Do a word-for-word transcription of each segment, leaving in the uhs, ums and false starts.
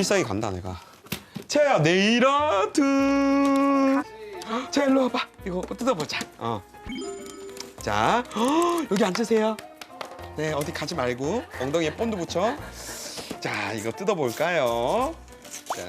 필살기 간다 내가. 채야 네일 아트. 자 일로 와봐. 이거 뜯어보자. 어. 자 어, 여기 앉으세요. 네 어디 가지 말고 엉덩이에 본드 붙여. 자 이거 뜯어볼까요? 자.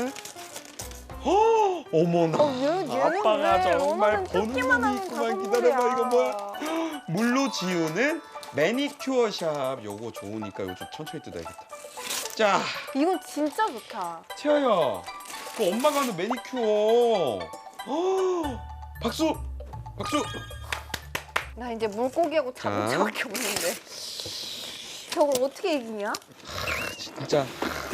어, 어머나. 어, 얘, 얘는 아빠가 왜 정말 엄마는 보는 뜯기만 눈이 하는 있구만. 가성물이야. 기다려봐 이거 뭐야? 물로 지우는 매니큐어 샵. 요거 좋으니까 이거 좀 천천히 뜯어야겠다. 자, 이건 진짜 좋다. 채아야, 그 엄마가 하는 매니큐어. 어, 박수, 박수. 나 이제 물고기하고 자. 자동차밖에 없는데. 저걸 어떻게 이기냐? 진짜.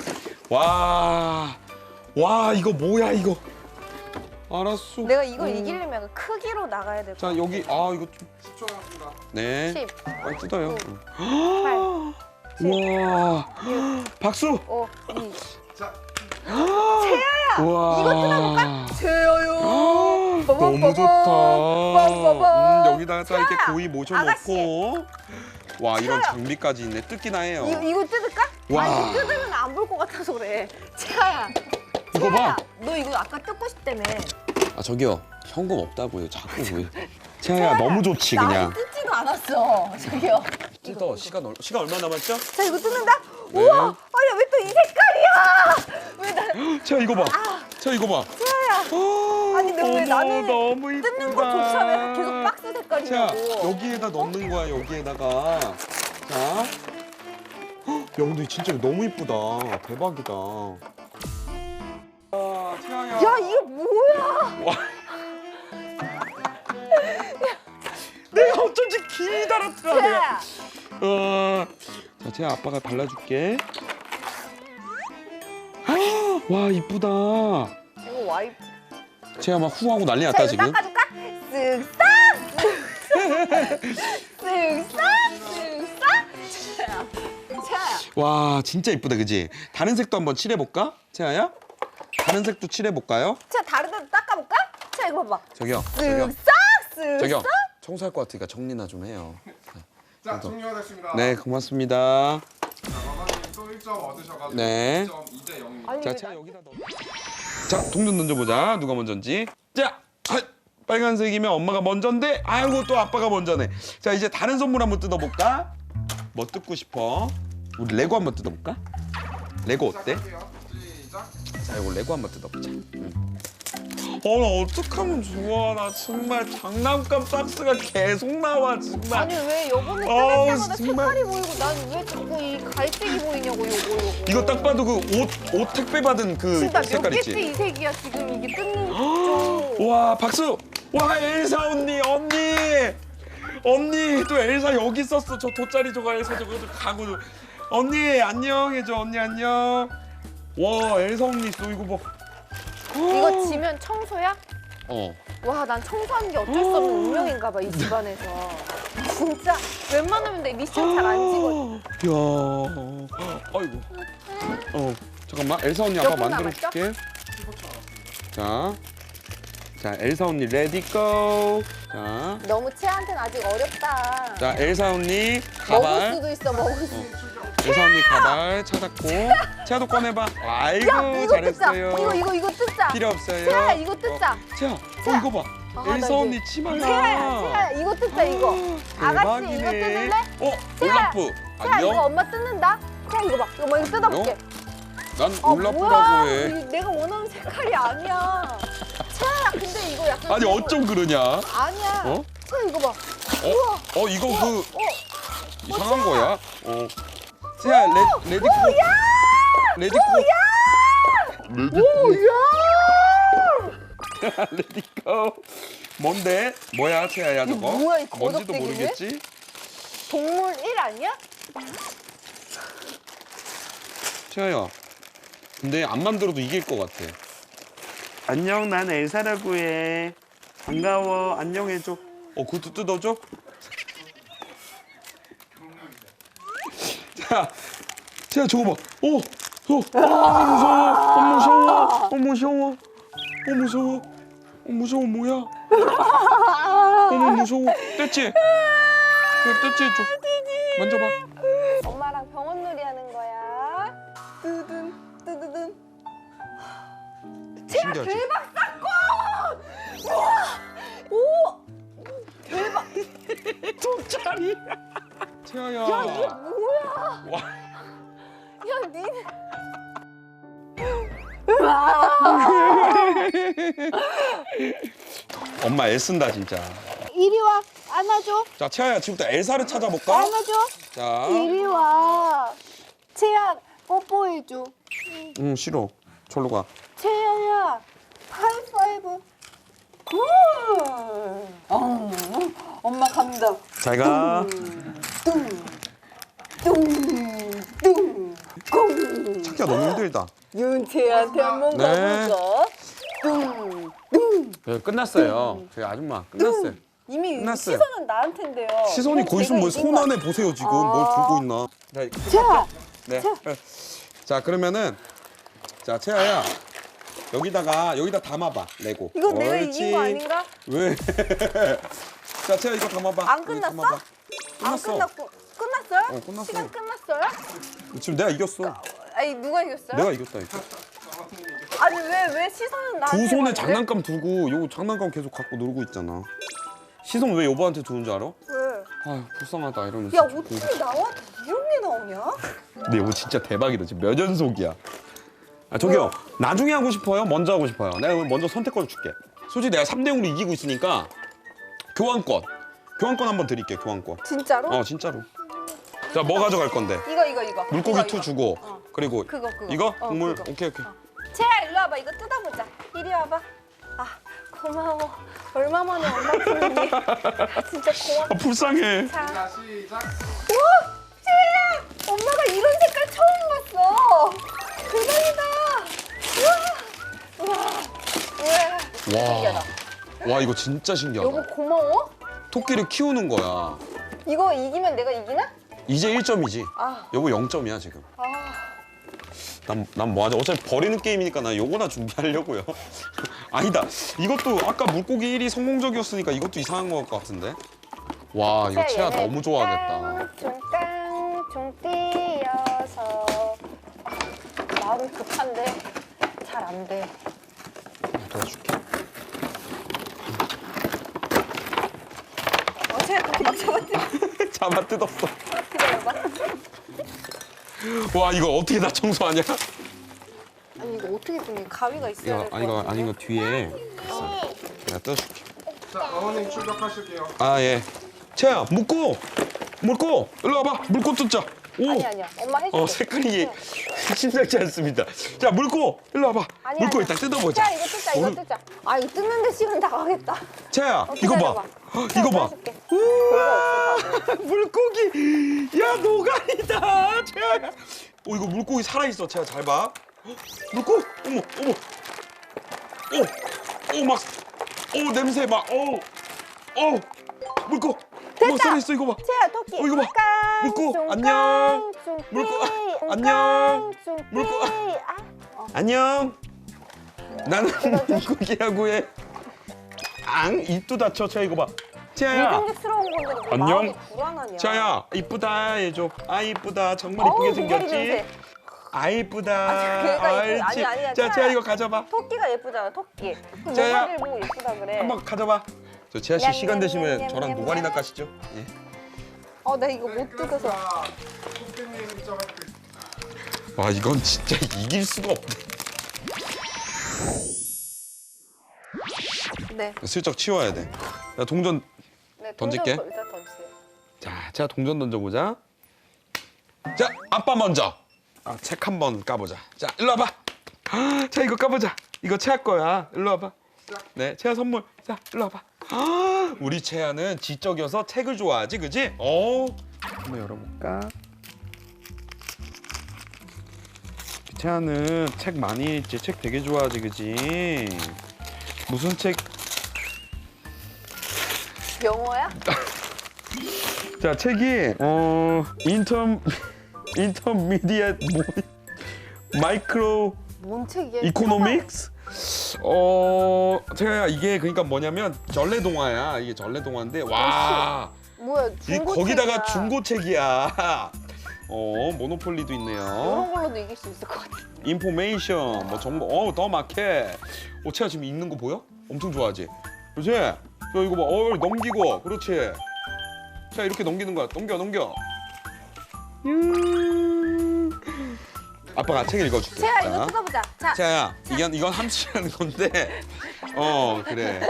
와, 와 이거 뭐야 이거? 알았어. 내가 이걸 음. 이기려면 약간 크기로 나가야 될 것 자 같아. 여기 아 이거 좀. 십 초 남았습니다. 네. 십, 빨리 뜯어요. 팔, 와, 박수. 오, 이. 자, 와. 이거 뜯어볼까? 제어요. 아, 빠밤, 너무 좋다. 빠밤. 음, 여기다가 딱 이렇게 채아야, 고이 모셔놓고. 와 이런 장비까지 있네. 뜯기나 해요. 이거, 이거 뜯을까? 와. 아, 이거 뜯으면 안 볼 것 같아서 그래. 채아야. 이거 봐. 채아야, 너 이거 아까 뜯고 싶다며. 아 저기요 현금 없다고요. 자꾸 왜? 채아야 너무 좋지 나 그냥. 아직 뜯지도 않았어. 저기요. 뜯어. 시간 얼 시간 얼마 남았죠? 자, 이거 뜯는다? 네. 우와! 아니, 왜 또 이 색깔이야? 왜 나, 채아 이거 봐. 채아 이거 봐. 채아야. 어, 아니, 근데 왜 어머, 나는 너무 이쁘다. 뜯는 것조차 왜 계속 박스 자 색깔이냐고. 여기에다 넣는 거야 여기에다가. 자. 헉, 야 근데 진짜 너무 이쁘다. 대박이다. 아 채아야. 야, 이게 뭐야? 와. 내가 어쩐지 기다렸더라 내가. 채아야. 어. 자, 제 아빠가 발라줄게. 아, 와 이쁘다. 이거 와이프. 제가 막 후하고 난리 자, 났다 이거 지금. 닦아줄까? 쓱싹! 쓱싹! 쓱싹! 채아야. 채아야. 와 진짜 이쁘다 그지? 다른 색도 한번 칠해볼까? 채아야? 다른 색도 칠해볼까요? 채아, 다른 데도 닦아볼까? 채아, 이거 봐봐. 저기요. 저기요. 쓱싹! 쓱싹! 저기요. 청소할 것 같으니까 정리나 좀 해요. 자, 종료가 됐습니다. 네 고맙습니다. 자, 마마님 또 일 점 얻으셔가지고 네. 일 점 이 대 영입니다. 아니, 자 왜 채아 나- 여기다 넣어. 자 동전 던져보자. 누가 먼저인지. 자. 아, 빨간색이면 엄마가 먼저인데 아이고 또 아빠가 먼저네. 자 이제 다른 선물 한번 뜯어볼까? 뭐 뜯고 싶어? 우리 레고 한번 뜯어볼까? 레고 어때? 시작할게요. 시작. 자 이거 레고 한번 뜯어보자. 응. 어, 나 어떡하면 좋아. 나 정말 장난감 박스가 계속 나와 정말. 아니, 왜 요번에 아우, 뜯을 때마다 정말. 색깔이 보이고 난 왜 자꾸 이 갈색이 보이냐고, 요거, 요거. 이거 딱 봐도 그 옷 옷 택배 받은 그 진짜 몇 색깔 개째 있지? 이 색이야, 지금 이게 뜯는 쪽. 와 박수! 와 엘사 언니 언니 언니 또 엘사 여기 있었어. 저 돗자리 저거 엘사 저거 저 가고 언니 안녕 해줘. 언니 안녕. 와 엘사 언니 있어 이거 봐. 이거 지면 청소야? 어. 와, 난 청소하는 게 어쩔 수 없는 운명인가 봐, 이 집안에서. 진짜 웬만하면 내 미션 잘 안 찍어. 야, 아이고. 어, 잠깐만. 엘사 언니 아빠 몇 분 만들어 줄게. 자, 자 엘사 언니 레디 고. 자, 너무 채한테는 아직 어렵다. 자 엘사 언니 먹을 가발. 수도 있어, 먹을 수 있어. 엘사 언니 가발 찾았고. 채아도 꺼내봐. 아이고 야, 이거 뜯자. 잘했어요. 이거, 이거, 이거 뜯자. 필요 없어요. 채아야, 이거 뜯자. 어, 채아, 채아. 어 이거 봐. 아, 나 엘사 이제- 언니 치마야. 채아야, 채아야, 이거 뜯자, 이거. 아가씨, 이거 뜯을래? 어, 채아, 올라프. 채아, 이거 안녕. 엄마 뜯는다. 채아, 이거 봐. 이거 뭐 이거 뜯어볼게. 난 아, 올라프라고 뭐야. 해. 이거 내가 원하는 색깔이 아니야. 채아야, 근데 이거 약간. 아니 그거- 어쩜 그러냐? 아니야. 어? 채아, 이거 봐. 어? 어 이거 그 어, 이상한 채아. 거야? 어. 채아 레 레디코. 레디코. 레디코. 야! 레디코. 뭔데? 뭐야 채아야 이게 저거? 뭐야, 이 뭔지도 거덕대기는? 모르겠지? 동물 일 아니야? 채아야. 근데 안 만들어도 이길 것 같아. 안녕 난 엘사라고 해. 반가워. 안녕해줘. 어 그것도 뜯어줘? 자, 자 저거 봐. 오, 어, 아 무서워. 어 무서워. 어 무서워. 어 무서워. 어 무서워 뭐야? 어머 무서워. 떼치. 그 떼치 줘. 만져봐. 엄마랑 병원 놀이 하는 거야. 뜨든 뜨드든 신기하지? 대박 사건! 우와! 오! 대박! 돈짜리. 채아야. 야 이게 뭐야? 와. 야 니네. 우와! 엄마 애쓴다 진짜. 이리 와 안아줘. 자 채아야 지금부터 엘사를 찾아볼까? 안아줘. 자. 이리 와. 채야 뽀뽀해줘. 응 싫어. 절로 가. 채야야 하이파이브. 굿. 어, 엄마 간다. 잘 가. 뚱뚱 꽁. 찾기가 너무 힘들다. 윤채한테 한번 네. 가보자. 뚱뚱. 네, 끝났어요. 저희 아줌마 끝났어요. 이미 끝났어요. 시선은 나한텐데요. 시선이 거기 있으면 뭘 손 안에 보세요 지금 아. 뭘 들고 있나. 자, 자, 네. 자. 자 그러면은 자 채아야 여기다가 여기다 담아봐 레고. 이거 내가 옳지. 이긴 거 아닌가? 왜? 자 채아 이거 담아봐. 안 여기 끝났어? 담아봐. 안 끝났어. 끝났고 끝났어요? 어, 끝났어. 시간 끝났어요? 지금 내가 이겼어. 아니 누가 이겼어요? 내가 이겼다니까. 아니 왜 왜 시선은 나한테 두 손에 가는데? 장난감 두고 요 장난감 계속 갖고 놀고 있잖아. 시선 왜 여보한테 두는 줄 알아? 왜? 아유 불쌍하다 이러면서. 야 어떻게 나와 이런 게 나오냐? 근데 여보 진짜 대박이다. 지금 몇 연속이야. 아 저기요. 나중에 하고 싶어요? 먼저 하고 싶어요? 내가 그럼 먼저 선택권 줄게. 솔직히 내가 삼 대 영으로 이기고 있으니까 교환권. 교환권 한번 드릴게. 교환권. 진짜로? 어 진짜로. 자 뭐 가져갈 건데? 이거 이거 이거. 물고기 이거, 투 이거. 주고 어. 그리고 그거 그거. 이거 어, 국물 그거. 오케이 오케이. 채야 일로 와봐. 이거 뜯어보자. 이리 와봐. 아 고마워. 얼마 만에 엄마 부르니? 진짜 고맙다. 아 불쌍해. 자. 자 시작. 우와! 채야! 엄마가 이런 색깔 처음 봤어. 대박이다. 우와! 우와! 우와! 신기하다. 와 이거 진짜 신기하다. 여보 고마워. 토끼를 키우는 거야. 이거 이기면 내가 이기나? 이제 일 점이지. 아, 여보 영 점이야 지금. 아. 난 난 뭐 하자. 어차피 버리는 게임이니까 나 요거나 준비하려고요. 아니다. 이것도 아까 물고기 일 위 성공적이었으니까 이것도 이상한 것 같은데. 와 이거 채아 너무 좋아하겠다. 깡충깡충 뛰어서 아, 마음 급한데 잘 안 돼. 도와줄게. 어, 채야 그렇게 막 잡았지? 잡아 뜯었어. 기다려봐. 와 이거 어떻게 다 청소하냐? 아니 이거 어떻게 좀 가위가 있어야 이거 될것 아니 이거 같은데? 아니 이거 뒤에 있어. 내가 뜯어줄게. 자 어머님 출격하실게요. 아 예. 채아 물고 물고 일로 와봐. 물고 뜯자. 오. 아니 아니야. 엄마 해줄게. 어 색깔이 심상치 않습니다. 자 물고 일로 와봐. 아니야, 물고 아니야. 일단 뜯어보자. 자 이거 뜯자 이거 오늘- 뜯자. 아 이거 뜯는데 시간 다 가겠다. 채아야 어, 이거 기다려봐. 봐. 이거 봐. 해줄게. 별거 없어 바보. 물고기. 야 노가리다. 채아야. 어 이거 물고기 살아 있어. 채아 잘 봐. 헉, 물고. 어머 어머. 오오막오 냄새 막. 오. 오. 물고. 어머 살아 있어 이거 봐. 채야 토끼. 어, 이거 봐. 물고, 안녕. 물고, 아, 안녕. 물고, 아, 어. 안녕. 나는 물고기라고 해. 앙 입도 다쳐. 채아 이거 봐. 채아야. 미공개스러운 건데 왜 안녕. 마음이 불안하냐? 채아야 이쁘다 해줘. 아 이쁘다. 정말 이쁘게 어우, 생겼지. 물고기 냄새. 아 이쁘다. 아, 걔가 이쁘- 옳지. 아니, 아니야, 자 채아야. 채아 이거 가져봐. 토끼가 예쁘잖아 토끼. 그럼 채아야. 뭐가를 보고 예쁘다 그래. 한번 가져봐. 저 채아 씨 냠, 시간 냠, 되시면 냠, 저랑 냠, 노가리나 냠. 까시죠. 예. 어 나 이거 못 뜯어서. 토끼님 일 점 획득. 와 이건 진짜 이길 수가 없네. 네. 슬쩍 치워야 돼. 나 동전. 네 던질게. 동전 일단 던지세요. 자, 제가 동전 던져보자. 자, 아빠 먼저. 아, 책 한번 까보자. 자, 일로 와봐. 아, 자, 이거 까보자. 이거 채아 거야. 일로 와봐. 네, 채아 선물. 자, 일로 와봐. 아, 우리 채아는 지적이어서 책을 좋아하지, 그지? 어. 한번 열어볼까? 채아는 책 많이 읽지. 책 되게 좋아하지, 그지? 무슨 책? 영어야? 자 책이 어 인터 인터미디엇 뭐 마이크로 뭔 책이야? 이코노믹스 어 제가 이게 그러니까 뭐냐면 전래 동화야. 이게 전래 동화인데 와 뭐야 이 중고 거기다가 책이야. 중고 책이야. 어 모노폴리도 있네요. 이런 걸로도 이길 수 있을 것 같아. 인포메이션 뭐 정보 어더 마켓. 어 채아 지금 읽는 거 보여? 엄청 좋아하지? 그렇지? 야 이거 봐. 어 넘기고 그렇지. 자 이렇게 넘기는 거야. 넘겨 넘겨. 음. 아빠가 책 읽어줄게. 채아 자. 이거 뜯어보자. 자, 채아야 이건 이건 함수라는 건데. 어 그래.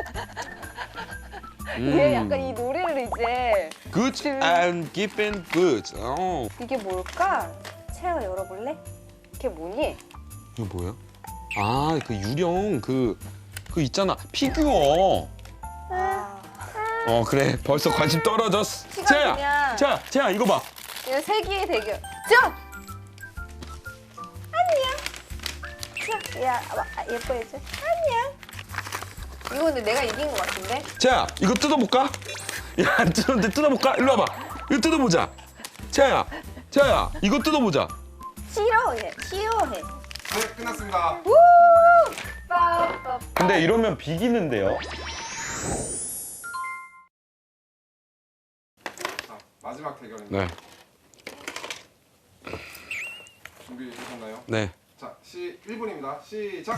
얘 약간 이 노래를 이제 Good and given good. 어. 이게 뭘까? 채아 열어볼래? 이게 뭐니? 이거 뭐야? 아, 그 유령 그, 그 있잖아. 피규어. 아, 어, 그래. 벌써 관심 떨어졌어. 시간 채야, 그냥- 자, 채야, 이거 봐. 이거 세기의 대결. 자, 안녕. 자, 야, 아, 예뻐해줘. 안녕. 이거 근데 내가 이긴 것 같은데? 채야, 이거 뜯어볼까? 야, 안 뜯었는데 뜯어볼까? 일로 와봐. 이거 뜯어보자. 채야, 채야, 이거 뜯어보자. 싫어해, 싫어해. 네, 끝났습니다. 우! 빠빠빠. 근데 이러면 비기는데요? 자, 마지막 대결입니다. 네, 준비되셨나요? 네. 자, 시 일 분입니다. 시작.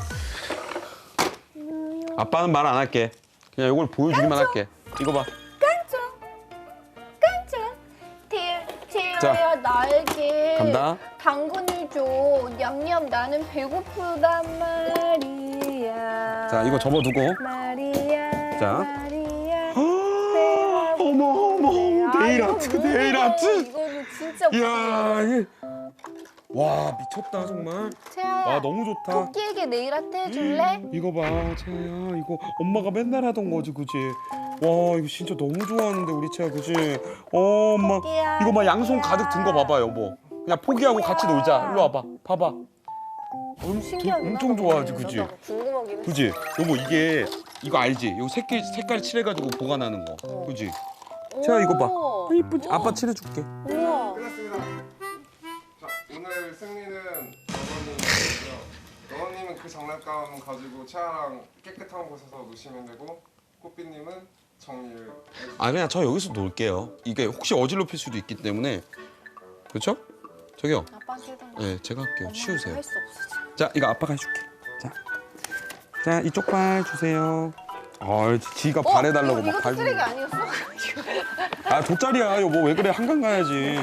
아빠는 말 안 할게. 그냥 이걸 보여주기만 할게. 이거 봐. 깜짝, 깜짝. 티, 자, 티어야 나에게 간다. 당근을 줘. 냠냠 나는 배고프단 말이야. 자, 이거 접어두고. 말이야. 자. 말이야. 어머, 어머, 네일 아, 아트, 이거 네일 뭐야. 아트. 이거는 진짜 이야, 이게 와 미쳤다 정말. 채아야. 와 너무 좋다. 토끼에게 네일 아트 해줄래? 이거 봐, 채야 이거 엄마가 맨날 하던 거지, 그지? 와 이거 진짜 너무 좋아하는데 우리 채야, 그지? 어, 엄마 토끼야, 이거 막 양손 토끼야. 가득 든 거 봐봐, 여보. 그냥 포기하고 같이 놀자. 일로 와봐, 봐봐. 엄, 신기하긴 엄청 하다. 좋아하지, 그지? 나도 궁금하긴 해. 그지? 여보 이게 이거 알지? 이거 색깔 색깔 칠해가지고 보관하는 거, 그지? 채야 이거 봐. 오. 아, 이쁘지? 아빠 칠해줄게. 우와. 끝났습니다. 자, 오늘 승리는 너원님이고요. 너원님은 그 장난감 가지고 채아랑 깨끗한 곳에서 노시면 되고, 꽃비님은 정리를 해주세요. 아 그냥 저 여기서 놀게요. 이게 혹시 어질럽힐 수도 있기 때문에. 그렇죠? 저기요. 아빠 싫은 거. 네, 제가 할게요. 치우세요. 할수 없어. 지금. 자, 이거 아빠가 해줄게. 자, 자 이쪽 발 주세요. 아, 지가 발해달라고 어? 이거, 막 이것도 발. 쓰레기 아니었어? 아, 돗자리야, 여보. 왜 그래? 한강 가야지.